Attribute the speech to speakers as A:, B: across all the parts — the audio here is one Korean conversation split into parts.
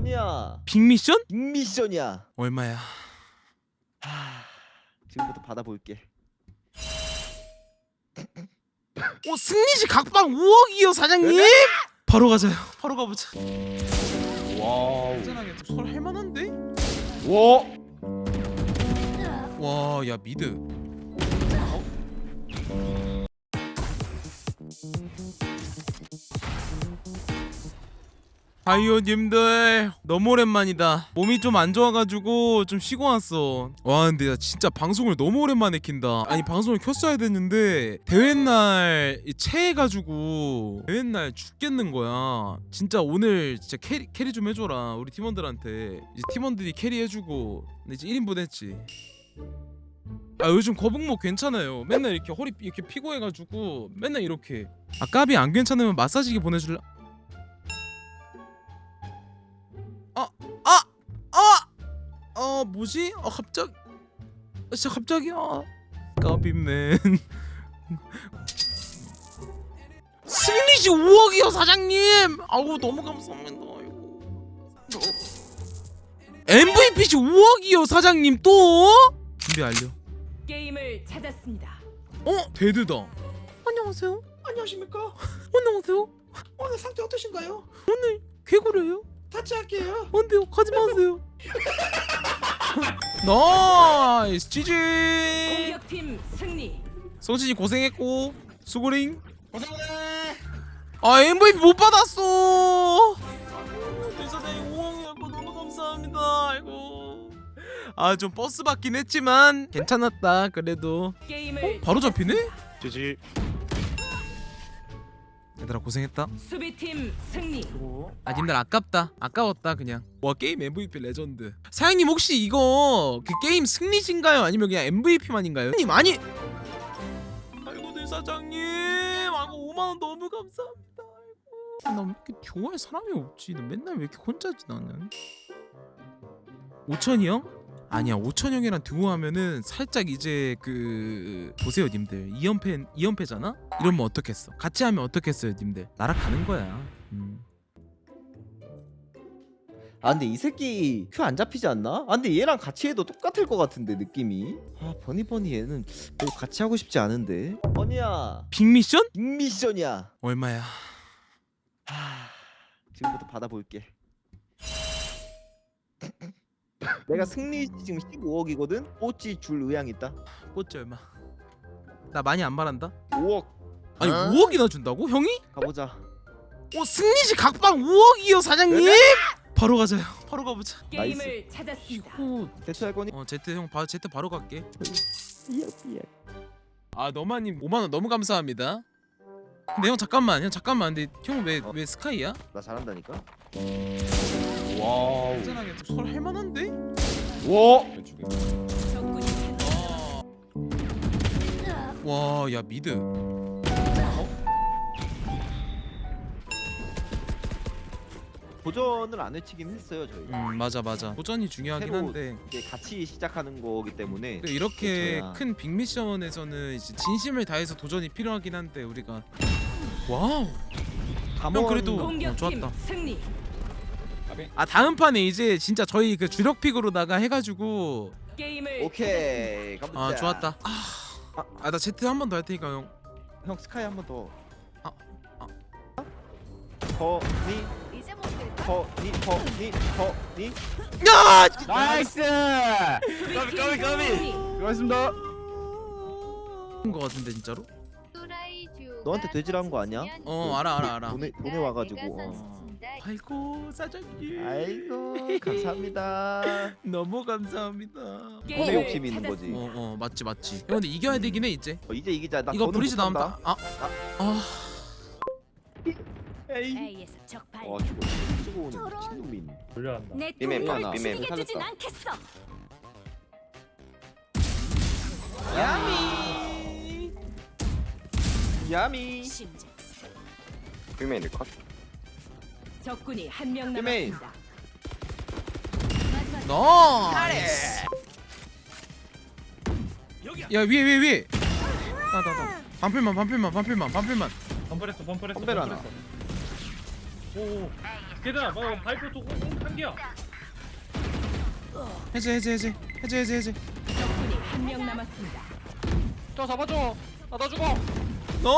A: 아니야.
B: 빅미션?
A: 빅미션이야.
B: 얼마야?
A: 지금부터 받아볼게.
B: 승리시 각방 5억이요 사장님? 바로 가자요. 바로 가보자.
A: 와우.
B: 안전하게 설 할만한데?
A: 와.
B: 와, 야 미드. 바이오님들 너무 오랜만이다. 몸이 좀 안 좋아가지고 좀 쉬고 왔어. 와 근데 나 진짜 방송을 너무 오랜만에 킨다. 아니 방송을 켰어야 됐는데 대회날 체해가지고 대회날 죽겠는 거야. 진짜 오늘 진짜 캐리 좀 해줘라 우리 팀원들한테. 이제 팀원들이 캐리해주고 근데 이제 1인분 했지. 아 요즘 거북목 괜찮아요. 맨날 이렇게 허리 이렇게 피고 해가지고 맨날 이렇게. 아 까비 안 괜찮으면 마사지기 보내줄라. 뭐지? 진짜 갑자기야. 까비맨. 승리시 5억이요 사장님. 아우 너무 감사합니다. MVP시 5억이요 사장님 또? 준비 완료.
C: 게임을 찾았습니다.
B: 데드다. 안녕하세요.
D: 안녕하십니까?
B: 안녕하세요.
D: 오늘 상태 어떠신가요?
B: 개구려요?
D: 같이 할게요.
B: 안돼요. 가지 마세요. 나이스 지지.
C: 공격팀 승리.
B: 성진이 고생했고 수고링.
D: 고생하네.
B: 아 MVP 못 받았어. 대사장님 5억이었고 너무 감사합니다. 아이고. 아 좀 버스 받긴 했지만 괜찮았다 그래도.
C: 게임을
B: 바로 잡히네?
E: 지지.
B: 얘들아 고생했다.
C: 수비팀 승리.
B: 아 님들 아까웠다 그냥. 와 게임 MVP 레전드. 사장님 혹시 이거 그 게임 승리신가요? 아니면 그냥 MVP만인가요? 님 아니. 아이고 네 사장님. 아이고 5만원 너무 감사합니다. 아이고. 나 왜 이렇게 좋아할 사람이 없지? 나 맨날 왜 이렇게 혼자지 나는. 5천이요? 아니야 5천형이랑 듀오하면은 살짝 이제 그 보세요 님들 2연패잖아? 이러면 어떻겠어? 같이 하면 어떻겠어요 님들? 날아가는 거야.
A: 아 근데 이 새끼 큐 안 잡히지 않나? 아 근데 얘랑 같이 해도 똑같을 것 같은데 느낌이. 아 버니 얘는 뭐 같이 하고 싶지 않은데. 버니야.
B: 빅미션?
A: 빅미션이야.
B: 얼마야?
A: 지금부터 받아볼게. 내가 승리 지금 15억이거든. 뽀찌 줄 의향 있다.
B: 꽂지 얼마? 나 많이 안 말한다.
A: 5억
B: 아니 5억이나 준다고? 형이?
A: 가보자.
B: 승리시 각방 5억이요 사장님? 바로 가자요. 바로 가보자.
C: 게임을 찾았습니다.
A: 대처할 거니?
B: 제트 형 제트 바로 갈게.
A: 삐약.
B: 아 너마님 5만원 너무 감사합니다. 근데 형 잠깐만 근데 형 왜 스카이야?
A: 나 잘한다니까.
B: 와우 안전하게 설 할만한데?
A: 와.
C: 적군이
B: 와 야 미드.
A: 도전을 안 외치긴 했어요 저희.
B: 맞아 도전이 중요하긴
A: 새로
B: 한데
A: 이제 같이 시작하는 거기 때문에.
B: 또 이렇게
A: 그렇죠.
B: 큰 빅미션에서는 이제 진심을 다해서 도전이 필요하긴 한데 우리가 와우 형 그래도
C: 공격팀
B: 좋았다.
C: 승리.
B: 아 다음 판에 이제 진짜 저희 그 주력 픽으로다가 해가지고
C: 게임을
A: 오케이 가보자.
B: 아 좋았다. 나 제트 한 번 더 할 테니까 형.
A: 형 스카이 한 번 더.
B: 아.
A: 허니
F: 이제 못될까?
A: 허니.
B: 야!
D: 나이스.
C: 수비팀 승리.
D: 고맙습니다.
B: 거 같은데 진짜로?
A: 너한테 돼지라는 거 아니야?
B: 알아.
A: 돈에 와가지고.
B: 아이고 사장님.
A: 아이고 감사합니다.
B: 너무 감사합니다.
A: 돈에 욕심이 있는 거지.
B: 맞지. 형 근데 이겨야 되긴 해 이제.
A: 이제 이기자. 나
B: 이거
A: 더는
B: 브리지
A: 못한다.
B: 나온다.
A: 에이.
F: A에서 적발.
A: 죽어. 쓰고 오는 미친놈이.
D: 불려한다.
F: 내
A: 삐맨
F: 꿈을
A: 하나.
F: 지게 두진
A: 살렸다.
F: 않겠어.
A: 야미.
F: 심장.
E: 빅맨이 컷.
C: 적군이 한 명
A: 삐맨.
C: 남았습니다.
B: 나이스. 야 위에. 나. 반필만.
D: 범퍼했어.
A: 컴벨 하나.
F: 오. 걔들아, 뭐 바이퍼 한 개야.
B: 해제.
C: 적군이 한 명 남았습니다.
G: 저 잡아줘. 나 죽어.
B: 너.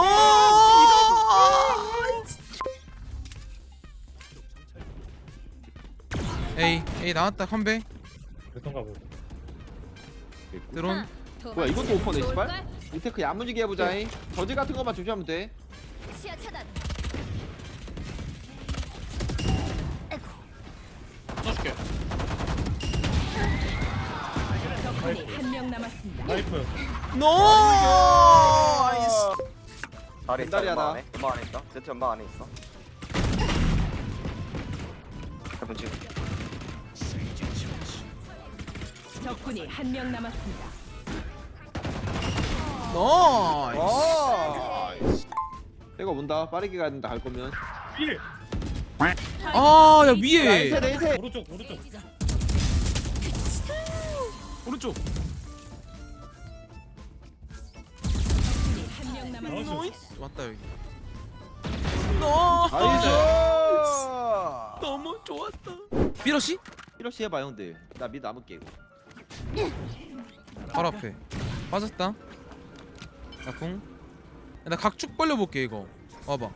B: 에이 나왔다 컴백.
F: 그ton가 보고.
B: 드론.
A: 뭐야 이것도 오퍼네 씨발. 이 테크 야무지게 해보자잉. 저지 같은 것만 조심하면 돼.
H: 시야 차단.
G: 써줄게.
C: 적군이 한 명 남았습니다.
F: 바이퍼.
B: 노.
E: 아래 있다.
A: 벤다리 하나.
E: 연막 안에 있다. 제트 연막 안에 있어. 해본 지금.
C: 적군이 한 명 남았습니다.
B: 나이스.
A: 내가 온다. 빠르게 가야 된다 갈 거면.
F: 필.
B: 아야 위에.
A: 네이세.
F: 오른쪽.
B: 오른쪽.
C: 적군이 한 명 남았습니다.
F: 나이스.
B: 맞다 여기.
A: 나이스.
B: 너무 좋았다. 삐러시?
A: 이러시 해봐 형들. 나 미드 남을게 이거.
B: 바로 앞에. 빠졌다. 나 궁. 나 각축 벌려볼게 이거. 와봐.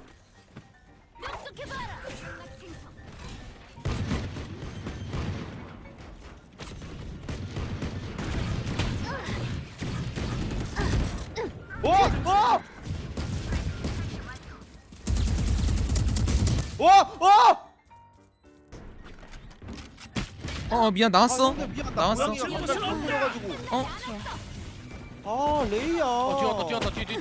B: 미안 나왔어. 나왔어. 어?
A: 아 레이야.
G: 뛰었다. 뒤.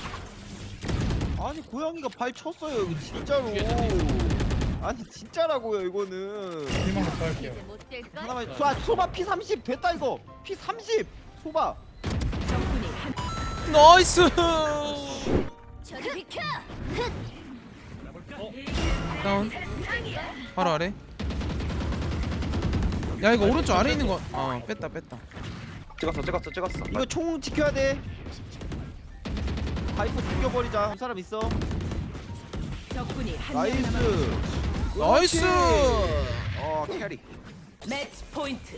A: 아니 고양이가 발 쳤어요 이거 진짜로. 아니 진짜라고요 이거는.
F: 희망 못 할게요.
H: 못 될까?
A: 하나만 소바 P30 됐다 이거. P30 소바.
C: 적군이 한
B: 나이스.
H: 저리 비켜.
B: 다운. 바로 아래. 야 이거 오른쪽 아래 있는 거. 뺐다.
E: 찍었어.
A: 이거 총 지켜야 돼. 파이프 죽여버리자. 한 사람 있어.
C: 적군이 한 명
A: 나이스.
C: 남았습니다.
B: 나이스.
A: 캐리.
C: 매치 포인트.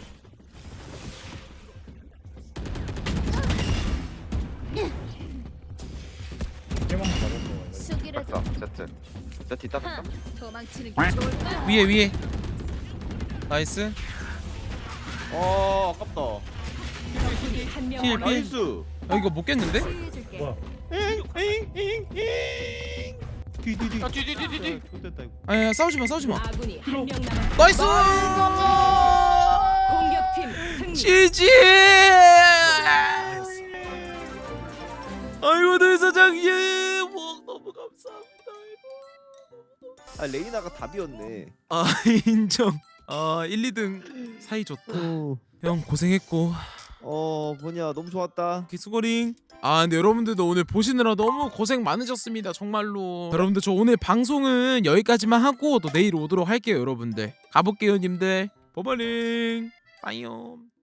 F: 희망 잡았어.
H: 수기라도
E: 됐어. 제트 있다. 됐다.
H: 도망치는 게 좋을까?
B: 위에. 나이스.
A: 아깝다.
C: 적군이 한 명
B: 힐,
C: 남았습니다.
A: 나이스.
B: 이거 못 깼는데?
H: 치유해줄게.
F: 뭐야?
A: 뒤.
G: 야, 뒤.
A: 좋됐다 이거.
B: 아야 싸우지 마.
C: 아군이 한 명 남았습니다.
B: 나이스.
C: 공격팀 승리.
B: 지지. 아이고 늘 사장님. 너무 감사합니다.
A: 아 레이나가 답이었네.
B: 인정. 1, 2등 사이 좋다. 형 고생했고.
A: 뭐냐 너무 좋았다.
B: 기수거링. 근데 여러분들도 오늘 보시느라 너무 고생 많으셨습니다 정말로. 여러분들 저 오늘 방송은 여기까지만 하고 또 내일 오도록 할게요. 여러분들 가볼게요 님들. 버버링 빠이옴.